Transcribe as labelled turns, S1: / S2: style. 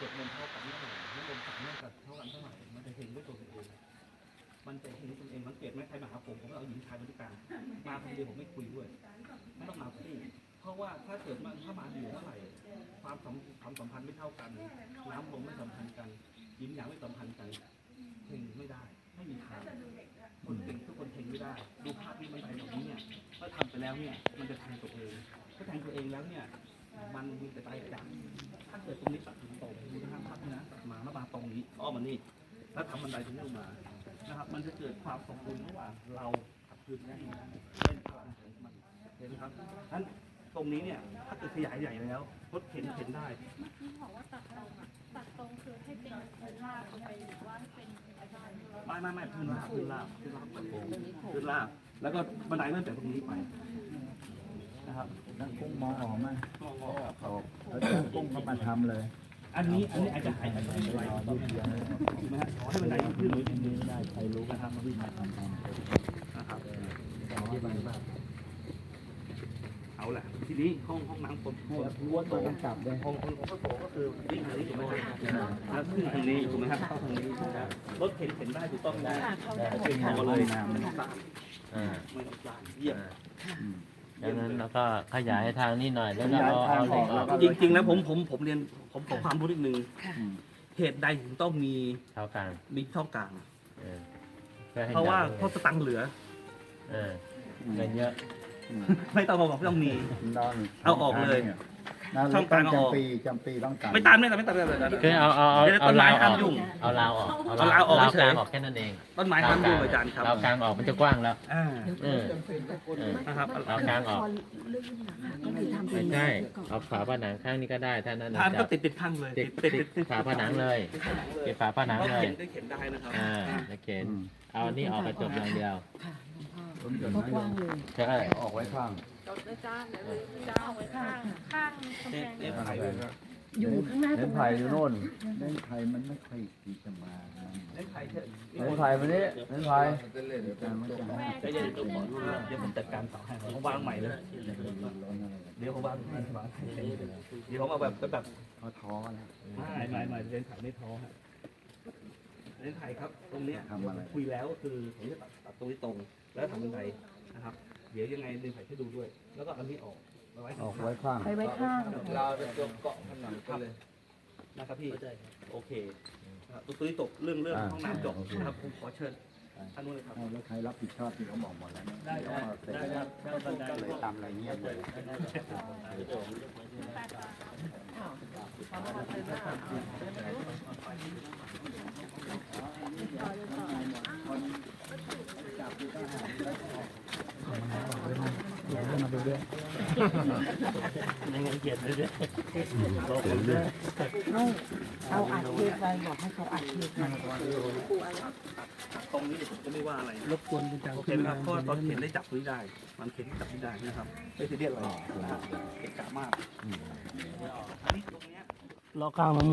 S1: วดมนต์เท่ากันเท่าไหร่น้ำมนต์สามเท่ากันเท่าไหร่มันจะเห็นด้วยตัวเองมันจะเห็นตัวเองสังเกตไหมใครมาหาผมก็เอาหญิงชายมาด้วยกันมาคนเดียวผมไม่คุยด้วยไม่ต้องมาคู่เพราะว่าถ้าเกิดถ้ามาอยู่เท่าไหร่ความสัมพันธ์ไม่เท่ากันน้ำลมไม่สัมพันธ์กันยิ้มหยางไม่สัมพันธ์กันเพ่งไม่ได้ไม่มีทางคนเก่งทุกคนเพ่งไม่ได้ดูภาพที่มันไปแบบนี้เนี่ยถ้าทำไปแล้วเนี่ยมันจะแทงตัวเองถ้าแทงตัวเองแล้วเนี่ยมันมีแต่ตายจากถ้าเกิดตรงนี้ตัดถึงตรงดูทางภาพนะตัดมาแล้วมาตรงนี้อ้อมานี่แล้วทำบันไดตรงนี้ลงมานะครับมันจะเกิดความสมดุลระหว่างเรากับพื้นที่เป็นพลังของมันเห็นไหมครับนั้นตรงนี้เนี่ยถ้าเกิดขยายใหญ่แล้วรถเข็นได้
S2: เมื่อกี้บอกว่าตัดตรงอ่ะตัดตรงคือให้เป็นพื้นราบไปหรือว่าให้เป็นอาจารย์
S1: ไม่พื้นราบพื้นราบแล้วก็บันไดเริ่มจากตรงนี้ไปนะครับ
S3: นั่งกุ้งมองออกไหมเขากุ้งเขามาทำเลย
S1: อันนี้อาจจะหายไปไหนถูกไหมฮะให้บันไดขึ้นหรือยังไม่ได้ใครรู้นะครับวิ่งมาทำนะครับเอาแหละทีนี้ห้องน้ำคน
S3: วัวโตกันกลับเลย
S1: ห้องโถก็คือวิ่งทางนี้ถูกไหมแล้วขึ้นทางนี้ถูกไหมครับเข้าทางนี้รถเข็นได้ถูกต้องนะขึ้นมาเลยนะไม่ต้องสร้างไม่ต้องสร้างเยี่ยม
S4: ดังนั้นเราก็ขยายทางนี้หน่อยแล้วก็เอาเหล็กออก
S1: จริงๆแล้วผมเรียนผมขอความรู้นิดนึงเหตุใดถึงต้องมี
S4: เท่ากลาง
S1: มีเท่ากลางเพราะว่าสตังค์เหลือ
S4: เงินเยอะ
S1: ไม่ต้องบอกไม่ต้องมีเอาออกเลย
S3: ช่องกลางจำปีต้องตัด
S1: ไม่ตาม
S4: คือเอาลาวออกเอาลาวออกเอาลาวกลางออกแค่นั้นเอง
S1: ต้นไม้ห้ามยุ่งอาจารย์ครับ
S4: ลาวกลางออกมันจะกว้างแล้ว
S1: นะครับ
S4: ลาวกลางออกไม่ใช่เอาฝาผนังข้างนี้ก็ได้ถ้านั้น
S1: ก็ติดข้างเลย
S4: ติดฝาผนังเลยติดฝาผนังเลย
S1: ได้เข็นได้นะครับ
S4: ได้เข็นเอานี่ออกกระจกอย่างเดียว
S3: ก็กว้างเลย
S4: ใช่
S3: ออกไว้ข้าง
S2: จ้าเอาไว้ข้างกำแพง
S3: อยู่ข้างหน้าตรงไผ่อยู่โน่นเล่นไผ่มันไม่ค่อยที่จะมา
S1: เล่นไผ่
S3: มันนี้เล่นไผ่
S1: จะยังต้องบอกเดี๋ยวผมจัดการต่อให้ผมวางใหม่เลยเดี๋ยวผมวางเดี๋ยวผมเอาแบบ
S3: เขาท้อแล้ว
S1: ไม่เล่นไผ่ไม่ท้อฮะเล่นไผ่ครับตรงนี้คุยแล้วคือผมจะตัดตรงนี้ตรงแล้วทำบันไดนะครับเดี๋ยวยังไงดึงไผ่ให้ดูด้วยแล้วก็อันนี้ออก
S3: ไว้ข้าง
S1: เราจะยกเกาะผนังกันเลยนะครับพี่โอเคตัวนี้ตกเรื่องห้องน้ำจบนะครับผมขอเชิญท่านนู้นเลยครับ
S3: แล้วใครรับผิดชอบที่เขาบอกหมดแล้ว
S1: ได้ครับ
S3: ก็เลยตามอะไรเงี้ยเลยมาดูด้วย
S1: ยังไงเกียรติเลยด้วย
S2: เอาอัดเทปไปบอกให้เขาอัดเทปมา
S1: ตรงนี้จะไม่ว่าอะไร
S3: รบกวนคุณจัง
S1: โอเคนะครับเพราะตอนเข็นได้จับพื้นได้มันเข็นจับพื้นได้นะครับไม่ใช่เรียกอะไรเกะกะมากอันนี้ตรงนี้
S3: ล้อกลาง